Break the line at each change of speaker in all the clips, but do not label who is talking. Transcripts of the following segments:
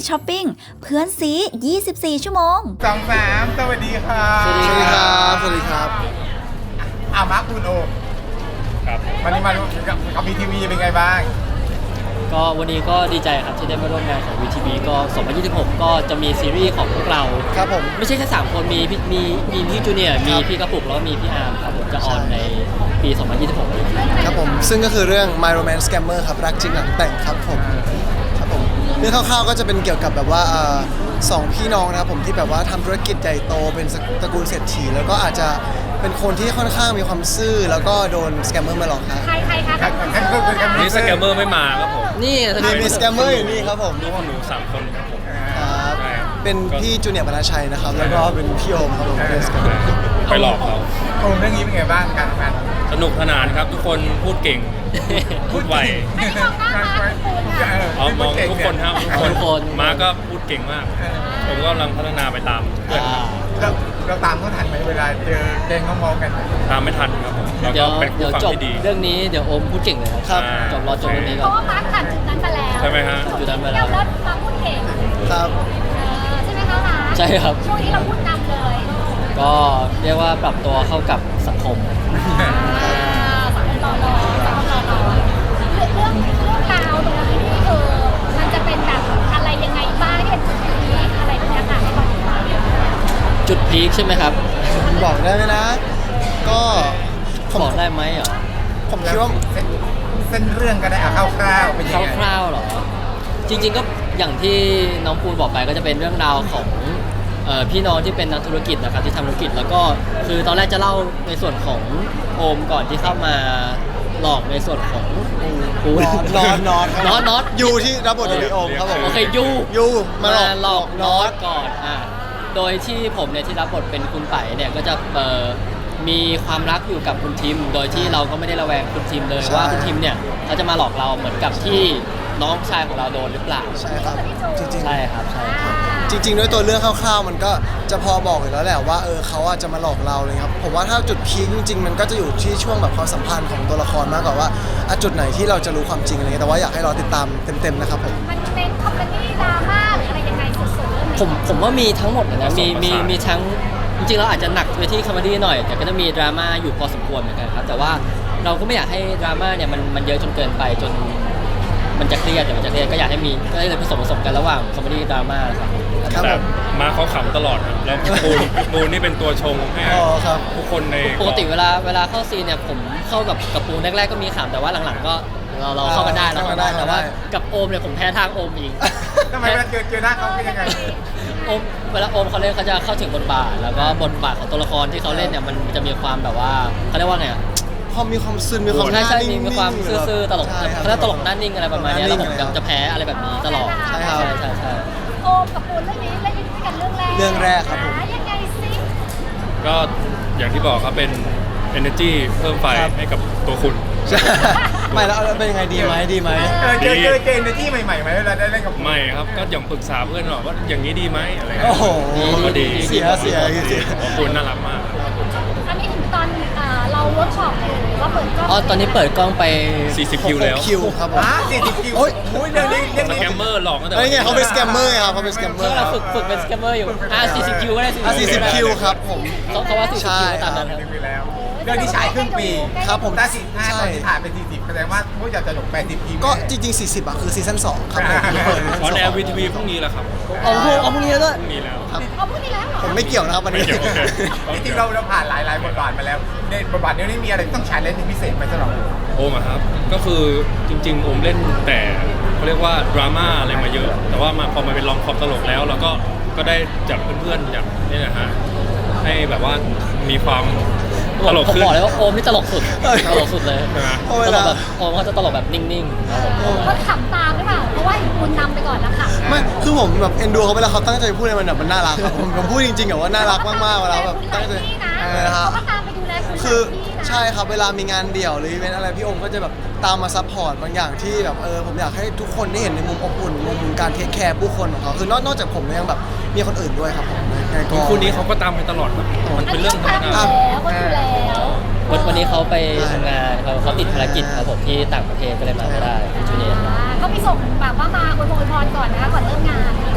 ช้อปปิ้งเพื่อนซี24 ชั่วโมง
2-3สวัสดีครับ
สวัสดีครับสวัสดีครับ
มาร์คคุณโอม
ครับ
วันนี้มากับบีทีวีเป็นไงบ้าง
ก็วันนี้ก็ดีใจครับที่ได้มาร่วมงานของ VTV ก็2026ก็จะมีซีรีส์ของพวกเรา
ครับผม
ไม่ใช่แค่3คนมีพี่จูเนียร์มีพี่กระปุกแล้วก็มีพี่อาร์มครับผมจะออนในปี 2026นี้
ครับผมซึ่งก็คือเรื่อง My Romance Scammer ครับรักจริงหลังแต่งครับผมครับผมเรื่องคร่าวๆก็จะเป็นเกี่ยวกับแบบว่าสองพี่น้องนะครับผมที่แบบว่าทำธุรกิจใหญ่โตเป็นตระกูลเศรษฐีแล้วก็อาจจะเป็นคนที่ค่อนข้างมีความซื่อแล้วก็โดนสแกมเมอร์มาหลอกครับ
ใครคะ
นี่สแกมเมอร์ไม่มาครับผม
นี่
มีสแกมเมอร์อยู่นี่ครับผม
ลูกของหนู3 คนครับผม
ครับ
ใช่ครับ
เป็นพี่จูเนียร์บรรณชัยนะครับแล้วก็เป็นพี่โอมครับผมเป็นสแกมเมอร์
ไปหลอกเขา
โอมเรื่องนี้เป็นไงบ้างการทำงาน
สนุกสนานครับทุกคนพูดเก่ง พูดไว
อันนี้มองหน้ามาคุณค่ะ
เอามองทุกคนครับทุกคนมาก็พูดเก่งมาก ผมก็กำลังพัฒนาไปตามเพื่อนครับ
เราตามเขาทันไหมเวลาเจอแกงเขามองกัน
ตามไม่ทันครับผมแล้ว
เดี๋
ก็
ยว
เป็น
เดี๋
ผู้
ยว
ฟัง
จบ
ที่ดี
เรื่องนี้เดี๋ยวโอมพูดเก่งเลย
ครับ
รอจบเรื่องนี้
เพ
ก่อน
ราะว่ามาร์คผ่านจุดนั้นไปแล้ว
ใช่ไหมฮะ
จุดนั้นไป
เที่
แล้
ยว วรถมาพูดเก่ง
ครับ
ใช่ไหมคะมาร์ค
ใช่ครับ
ช่วงนี้เราพูดนำเลย
ก็เรียกว่าปรับตัวเข้ากับสังคม
สังคมรอเรื่องราวตรงนี้นี่คือมันจะเป็นแบบอะไรยังไงบ้างที่เป็นจุดพีคอะไรแบบนี้ค่ะให้เราติดตาม
จุดพีคใช่ไหมครับ
บอกได้ไหมนะ ก็ผม
บอกได้ไหมเหรอ
ผมคิดว่า
เส้นเรื่องก็ได้เอาคร่าวๆเป็นยังไง
คร่าวๆเหรอ จริงๆก็อย่างที่น้องปูนบอกไปก็จะเป็นเรื่องราวของพี่น้องที่เป็นนักธุรกิจนะครับที่ทำธุรกิจแล้วก็คือตอนแรกจะเล่าในส่วนของโอมก่อนที่เข้ามาหลอกในส่วนของปูน น็อต
ยูที่รับบทโดยพี่โอมครับผม
โอเคยู
ยูมา
มา
ห
ห
ล
ล
อ
อก ก
น็
น็
อ
อ
ต
ตก่อนโดยที่ผมเนี่ยที่รับบทเป็นคุณไผ่เนี่ยก็จะมีความรักอยู่กับคุณทิม โดยที่เราก็ไม่ได้ระแวงคุณทิมเลย
ใช่
ว่าคุณทิมเนี่ยเขาจะมาหลอกเราเหมือนกับที่น้องชายของเราโดนหรือเปล่า
ใช่ครับจริงๆ
ใช่ครับใช่ครับ
จริงๆด้วยตัวเรื่องคร่าวๆมันก็จะพอบอกอยู่แล้วแหละว่าเขาอาจจะมาหลอกเราเลยครับผมว่าถ้าจุดพีคจริงๆมันก็จะอยู่ที่ช่วงแบบความสัมพันธ์ของตัวละครมากกว่าว่าจุดไหนที่เราจะรู้ความจริงอะไรเงี้ยแต่ว่าอยากให้เราติดตามเต็มๆนะครับผม
มันเน้นคอมเมดี้ดราม่าหรืออะไรยังไงสุดๆเรื่องนี้
ผมว่ามีทั้งหมดเลยนะมี
ผสมผสาน
มีทั้งจริงๆเราอาจจะหนักไปที่คอมเมดี้หน่อย แต่ก็จะมีดราม่าอยู่พอสมควรเหมือนกันครับแต่ว่าเราก็ไม่อยากให้ดราม่าเนี่ยมันเยอะจนเกินไปจนมันจะเครียดก็อยากให้มีก็เลยผสมกันระหว่างคอมเมดี้ดราม่าครับ
ครับ
แต่
ผม
มาเขาขำตลอดครับแล้วปูนนี่เป็นตัวชงให้
อ๋อครับ
ทุกคนใน
ปกติเวลาเข้าซีนเนี่ยผมเข้ากับปูนแรกๆก็มีขำแต่ว่าหลังๆก็เราเข้ากันได้เราเข้ากันได้แต่ว่ากับโอมเนี่ยผมแพ้ทางโอมอีก
ทำไมเวลาเจอหน้าเขาเป็นยังไง
โอมเวลาโอมเขาเล่นเขาจะเข้าถึงบทบาทแล้วก็บทบาทของตัวละครที่เขาเล่นเนี่ยมันจะมีความแบบว่าเขาเรียกว่าไงอะ
พอมีความซึนมีความ
ใช่
นิ่งๆ
มีความซื่อๆตลก
ใช่ครับ
เขาเรียกตลกหน้านิ่งอะไรประมาณเนี้ยแล้วผม
หน้านิ่ง
จะแพ้อะไรแบบนี้ตลอด
ใช่ครับ
ใช่
โอมกับปูนเรื่องนี้เล่นด้วยกันเรื่องแรก
เรื่องแรกครับผม
ยังไงซิ
ก็อย่างที่บอกครับเป็น energy เพิ่มไฟ
ครับ
ให้กับตัวคุณ
ใช่ไม่แล้วเป็นยังไงดีไหม
เจอเกมในที่ใหม่ๆไหมเวลาได้เล่นกับ
ไม่ครับก็อย่างปรึกษาเพื่อนหน่อยว่าอย่างนี้ดีไหมอะไร
โอ้โห
ก็ดี
เสีย
ขอบคุณน่ารักมาก
อันนี้ถึงตอนเราเวิร์กช็อปหรือว่าเปิดกล้อง
อ๋อตอนนี้เปิดกล้องไป
40 คิวแล้ว
คิวครับผม
40 คิว
โอ้ย
เรื่องนี้
สแกมเมอร์หลอกตั้งแต่
ไอ้ไงเขาเป็นสแกมเมอร์ครับเขาเป็นสแกมเมอ
เมื่อ
ร์ค
เรา
รับ
ฝึกเป็นสแกมเมอร์อยู่40 คิวก็ได้
40 คิวครับผม
เขาว่า40
ใช่
คิวตามนั้นครับ
ไปแล้ว เรื่องที่ฉายครึ่งปี
ครับผม
ถ้า45ตอนที่ถ่ายเป็น40แสดงว่าผู้อยากจะจบ80 คิว
ก็จริงๆ 40คือซีซั่น2ครับผมเปิด
ออนแอร์วีทีวีพรุ่งนี้แหละครับ
เอาพรุ่งนี้แล้วด้วย
พรุ่งนี้แล้ว
เอาพูดดีแล้วเหรอ
ผมไม่เกี่ยวนะครับวัน
ไม่
นี้
เกี่ยวโอเค
จริงๆเราผ่านหลายบทบาทมาแล้วในบทบาทนี้มีอะไรที่ต้องใช้เล่นเป็นพิเศษไหมสำหรับ
โอมอะครับ ก็คือจริงๆ โอมเล่นแต่เขาเรียกว่าดราม่าอะไรมาเยอะ แต่ว่าพอมาเป็นลองคอมตลกแล้วเราก็ได้จากเพื่อนๆจากนี่นะฮะให้แบบว่ามีความตลก
ผม
ขึ้น
บอกเลยว่าโอมนี่ตลกสุดตลกสุดเลย
ใช่ไหม
เพราะเว
ตล
ลาก
แบบโอมเขาจะตลกแบบนิ่งๆครับผม
เขาขำตามหรือเปล่าเพราะว่าปูนนำไปก่อนแล้วค่ะ
ไม่คือผมแบบเอ็นดูเขาเวลาเขาตั้งใจพูดอะไรมันแบบมันน่ารักครับผมพูดจริงๆอะว่าน่ารักมากๆเวลาแบบตั้งใจ
นะ
ฮะ
เขาก็ตามไปดูแลคุณ
คือ
พี่นะ
ใช่ครับเวลามีงานเดี่ยวหรืออีเวนต์อะไรพี่โอมก็จะแบบตามมาซัพพอร์ตบางอย่างที่แบบผมอยากให้ทุกคนได้เห็นในมุมอบอุ่นมุมการเทคแคร์ผู้คนของเขาคือนอกจากผมแล้วยังแบบมีคนอื่นด้วยครับผมในกอง
คู่นี้เขาก็ตามไปตลอดครับมันเป็นเรื่องธรรมดา
ก็ดูแล้ว
วันนี้เขาไปทำงานเขาติดภารกิจครับผมที่ต่างประเทศก็เลยมาไม่ได้พี่จูเนียร์
เขาไปส่งแบบว่ามาอวยพรก่อนนะคะก่อนเริ่มงาน
ก็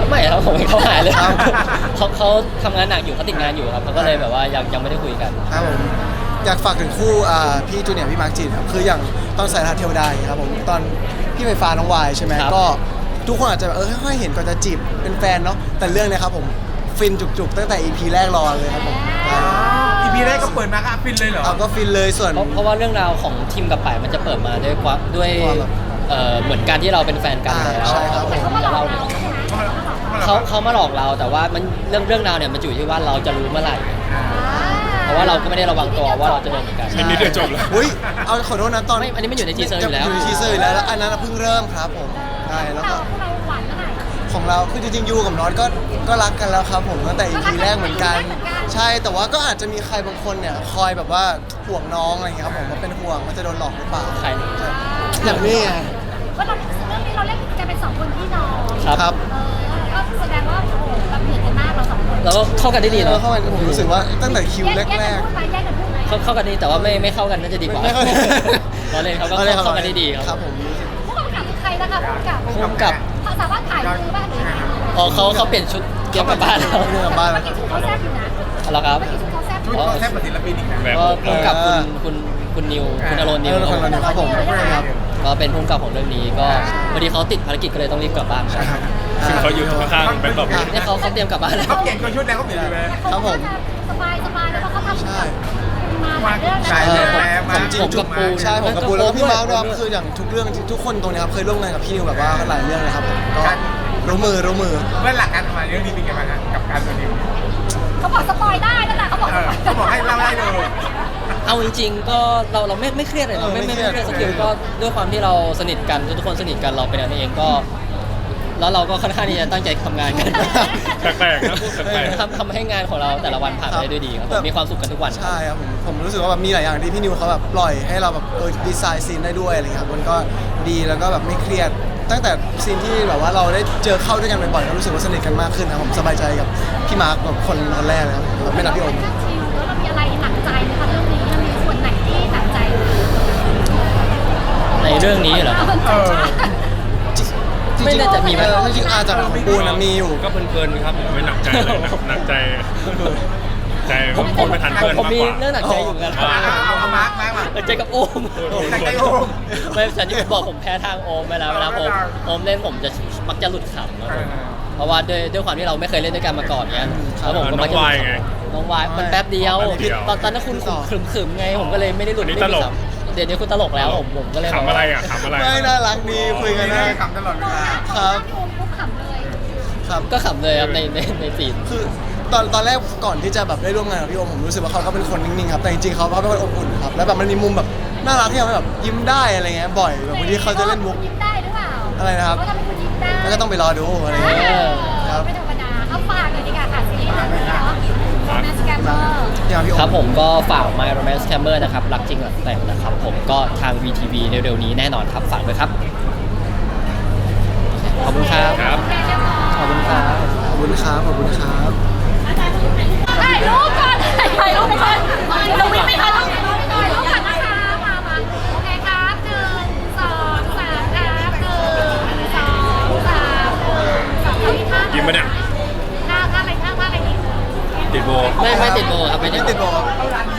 ผมไม่เข้าหาเลย
ครับ
เขาทำงานหนักอยู่เขาติดงานอยู่ครับเขาก็เลยแบบว่ายังไม่ได้คุยกัน
ครับผมอยากฝากถึงคู่พี่จูเนียร์พี่มาร์คจีนครับคืออย่างตอนสายทานเทวดาอย่างเงี้ยครับผมตอนพี่ไฟฟ้าน้องวายใช่ไหม
ครับ
ก็ทุกคนอาจจะแบบค่อยๆเห็นก่อนจะจีบเป็นแฟนเนาะแต่เรื่องเนี้ยครับผมฟินจุกๆตั้งแต่ EP แรกรอเลยครับผม
อีพีแรกก็เปิดมาก็ฟินเลยเหรอ
เอาก็ฟินเลยส่วน
เพราะว่าเรื่องราวของทีมกับป่ายมันจะเปิดมาด้วย
ความแบบ
เหมือนการที่เราเป็นแฟนกันแล้ว
ใช่ครับผม
ผมจะเล่าเนี่ยเขามาหลอกเราแต่ว่ามันเรื่องราวเนี่ยมันอยู่ที่ว่าเราจะรู้เมื่อไหร่ เพราะว่าเราก็ไม่ได้ระวังตัวว่าเราจะโดนเหมือนกัน
นิดเดียวจบแล้ว
อุ้ยเอาขอโทษนะตอน
ไม่อันนี้มันอยู่ในทีเซอร์อยู่แล้ว
ในทีเซอร์อยู่แล้วแล้วอันนั้นเพิ่งเริ่มครับผมใช่แล้วก็
เราหวานเมื่อไหร่
ของเราคือจริงๆยูกับน็อตก็รักกันแล้วครับผมตั้งแต่ EP แรกเหมือนกัน ใช่แต่ว่าก็อาจจะมีใครบางคนเนี่ยคอยแบบว่าห่วงน้องอะไรอย่างเงี้ยครับผมว่าเป็นห่วงว่าจะโดนหลอกหรือเปล่า
ใคร
ใช่อย่างนี้ไง
ว่าเราเรื่องนี้เราเล่นกันเป็นสองคนพี่น้อง
ครับ
ก็แสดงว่าโอ้โหเราเหมือนกันมากเราสองคน
เราก็เข้ากันได้ดี
แล้
เนาะ
วเข้ามาผมรู้สึกว่าตั้งแต่คิวแรก
แยกกันพูดไหมแยกกันพูดไหม
เข้ากันดีแต่ว่าไม่เข้ากันน่าจะดีกว่า
ไม่เข้า
เราเล่นเขาก็เข้ากันได้ดี
ค
ค
รั
รั
บบ ผม
ผู้กำกับคือใครนะคะผู้กำกับ
พุ่มกับ
เขาสามารถถ่ายมือบ้างหรือยังไง
อ๋อเขาเปลี่ยนชุดเตรียมกลับบ้านแล้ว
เรื่องบ้าน
เมื่อกี้ชุดเขาแซ่บอยู่นะ
แล้วครับ
เมื่อกี้ชุดเขาแซ่บอ
ชุด
ยู่
ก็แทบเป็นศิลปินอีกนะ
แบบ
ก็พุ่มกับคุณนิวคุณอรณนิว
คนละนิวครับผมครับ
ก็เป็นพุ่มกับของเรื่องนี้ก็พอดีเขาติดภารกิจก็เลยต้องรีบกลับบ้านครับ
ซึ่งเขาอยู่ข้างๆเป็นแบบ
นี่เขาเตรียมกลับบ้านแล้ว
เขาเปลี่ยนชุดแล้วเขาเปลี่ยนอยู่เลย
ครับผม
สบายแล้วก็เขาทำ
ใช่
มาหลายเรื่อง
ใช่
นะ
เลย
ผมจริงจุกใช่ผมกับปูแล้วก็พี่มาร์คด้วยครับคืออย่างทุกเรื่องทุกคนตรงเนี้ยครับเคยร่วมงานกับพี่นิวแบบว่าหลายเรื่องเลยครับผมก็รู้มือ
เมื่อหลักการทำงานเรื่องนี้เป็นไงบ้างฮะกับการตัวนี้
เขาบอกสปอยได้นั่นแหละเขาบอก
เขาบอกให้เล่าได้เลย
เอาจริงๆก็เราไม่เครียดเลยเราไม่เครียดสกิลก็ด้วยความที่เราสนิทกันทุกคนสนิทกันเราเป็นกันเองก็ แล้วเราก็ค่อนข้างที่จะตั้งใจทำงานกัน
แปลกๆนะพูดแปลก
ทำให้งานของเราแต่ละวันผ่านไปได้ด้วยดีครับผมมีความสุขกันทุกวัน
ใช่ครับผมรู้สึกว่าแบบมีหลายอย่างที่พี่นิวเขาแบบปล่อยให้เราแบบดีไซน์ซีนได้ด้วยอะไรเงี้ยครับมันก็ดีแล้วก็แบบไม่เครียดตั้งแต่ซีนที่แบบว่าเราได้เจอเข้าด้วยกันบ่อยๆก็รู้สึกว่าสนิทกันมากขึ้นนะผมสบายใจกับพี่มาร์คแบบคนแรกเลยครับแบบไม่นับพี่โอม
แล้วเรามีอะไรหนักใจไหมคะเรื่องนี้มันมีส่วนไหนที่หนักใจ
ในเรื่องนี้เหรอครับ ไม่น่าจะมีไหม
จริงๆอาจจะของปูนนะมีอยู่
ก็เพลินๆครับผมไม่หนักใจเลยหนักใจผมพูดไม่ทันเพื่อน
ผม
มาก
มี
กว่า
เรื่องหนักใจอยู่เหมือนกัน
เอามาร์คมา
หนักใจกับโอม
หนักใจโอม
ไม่ฉันที่บอกผมแพ้ทางโอมไปแล้วเวลาโอมเล่นผมจะมักจะหลุดขำครับผมเพราะว่าด้วยความที่เราไม่เคยเล่นด้วยกันมาก่อนเนี้ยแล้วผมก็มักจะหลุดขำน้องวายมันแป๊บเดียว ตอนนั้นคุณขึมๆไงผมก็เลยไม่ได้หลุดไม่ได้ขำเดี๋ยวนี้คุณตลกแล้วผมก็เลย
ขำอะไรอ่ะขำอะไร
ไม่น่ารักดีคุยกันได้
ขำตลอดเวลา
ครับ
พี่โอมปุ๊บขำเลย
ครับ
ก็ขำเลยครับในซีน
คือตอนแรกก่อนที่จะแบบได้ร่วมงานกับพี่โอมผมรู้สึกว่าเขาก็เป็นคนนิ่งๆครับแต่จริงๆเขาเป็นคนอบอุ่นครับแล้วแบบมันมีมุมแบบน่ารักที่เราแบบยิ้มได้อะไรเงี้ยบ่อยแบบบางทีเขาจะเล่นมุก
ยิ้มได้หรือเปล่า
อะไรนะครับ
เขาทำให้คุณยิ้มได้
แล้วก็ต้องไปรอดูอะไร
เอ
เงี้ย
อ
ครับ
ไม่ธรรมดาเอาฝากเลยดีกว่าค่ะซีรีส์เรื่องนี้เนาะ Romance Scammer
อย่างพี่โอ
ครับ
ม
ผมก็ฝาก My Romance Scammer นะครับรักจริงหลักแต่งนะครับผมก็ทาง VTV เร็วๆนี้แน่นอนครับฝากด้วยครับ ขอบคุณครับ
ครับ
ขอบคุณครับ
ขอบคุณครับขอบคุณครับ
ถ่ายรูปก่อนถ่ายรูปก่อนเราวิ่งไม่ทันถ่ายรูปก่อนนะคะมาโอเคครับ1 2 3ครับ1 2 3
ยิ้มปะเนี่ย
ท่าอะไรดี
ติดโบ
ไม่ติดโบครับไม่
ไม่
ติ
ติ
ด
ด
โบ
โบ
ไม่
ไม่
ได้
ติดโบ